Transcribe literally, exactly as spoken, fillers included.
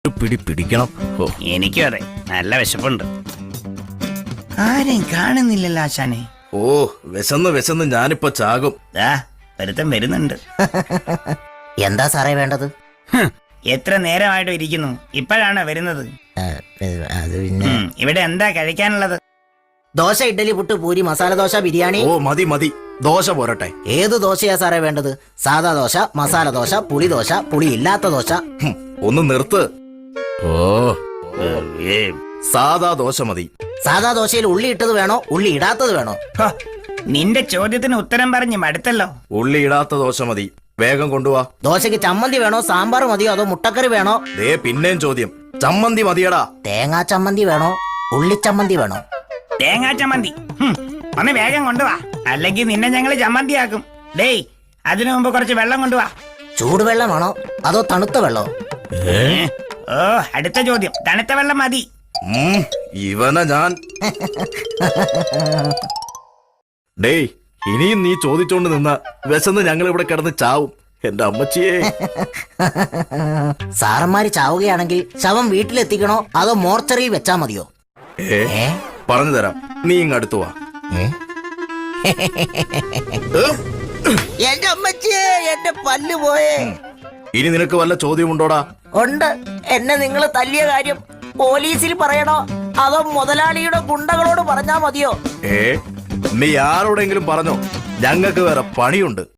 പിടി പിടിക്കണം. ഓ, എനിക്കും അതെ, നല്ല വിശപ്പുണ്ട്. ആരെയും കാണുന്നില്ലല്ലോ ആശാനെ. ഓ വിശന്ന് വിശന്ന് ഞാനിപ്പോ ചാകും. ദാ ഒരുത്തൻ വരുന്നുണ്ട്. എന്താ സാറേ വേണ്ടത്? ഹും, എത്ര നേരമായിട്ട് ഇരിക്കുന്നു, ഇപ്പോഴാണോ വരുന്നത്? ആ, അത് പിന്നെ ഉം, ഇവിടെ എന്താ കഴിക്കാനുള്ളത്? ദോശ, ഇഡ്ഡലി, പുട്ട്, പൂരി, മസാല ദോശ, ബിരിയാണി. ഓ മതി മതി, ദോശ പോരട്ടെ. ഏത് ദോശയാ സാറേ വേണ്ടത്? സാദാ ദോശ, മസാല ദോശ, പുളി ദോശ, പുളി ഇല്ലാത്ത ദോശ? ഹും, ഒന്ന് നിർത്ത്. ഓ ഏ, സാദാ ദോശ മതി. സാദാ ദോശയിൽ ഉള്ളി ഇട്ടത് വേണോ, ഉള്ളി ഇടാത്തത് വേണോ? ഹോ, നിന്റെ ചോദ്യത്തിന് ഉത്തരം പറഞ്ഞ് മടുത്തല്ലോ. ഉള്ളി ഇടാത്ത ദോശ മതി, വേഗം കൊണ്ടുവാ. ദോശയ്ക്ക് ചമ്മന്തി വേണോ, സാമ്പാർ മതിയോ, അതോ മുട്ടക്കറി വേണോ? ദേ പിന്നെയും ചോദ്യം, ചമ്മന്തി മതിയടാ. തേങ്ങാ ചമ്മന്തി വേണോ, ഉള്ളിച്ചമ്മന്തി വേണോ? തേങ്ങാ ചമ്മന്തി. ഹും, ഒന്ന് വേഗം കൊണ്ടുവാ, അല്ലെങ്കിൽ നിന്നെ ഞങ്ങള് ചമ്മന്തിയാക്കും. ഡേയ്, അതിനു മുമ്പ് കുറച്ച് വെള്ളം കൊണ്ടുവാ. ചൂടുവെള്ളമാണോ അതോ തണുത്ത വെള്ളോ? ഏ, ഓ അടുത്ത ചോദ്യം, തണുത്ത വെള്ളം മതി. ഉം, ഇവനെ ഞാൻ. ഡേയ്, ഇനിയും നീ ചോദിച്ചോണ്ട് നിന്ന വിശന്ന് ഞങ്ങൾ ഇവിടെ കിടന്ന് ചാവും. എന്റെ അമ്മച്ചിയെ. സാറന്മാര് ചാവുകയാണെങ്കിൽ ശവം വീട്ടിലെത്തിക്കണോ അതോ മോർച്ചറിയിൽ വെച്ചാ മതിയോ? ഏ ഏ പറഞ്ഞു തരാം, നീ ഇങ്ങ് അടുത്തു വാ. ഏ? എന്റെ അമ്മച്ചിയെ, എന്റെ പല്ല് പോയേ. ഇനി നിനക്ക് വല്ല ചോദ്യമുണ്ടോടാ? ഉണ്ട്. എന്നെ നിങ്ങൾ തല്ലിയ കാര്യം പോലീസിൽ പറയണോ അതോ മുതലാളിയുടെ ഗുണ്ടകളോട് പറഞ്ഞാ മതിയോ? ഏ നീ ആരോടെങ്കിലും പറഞ്ഞോ, ഞങ്ങൾക്ക് വേറെ പണിയുണ്ട്.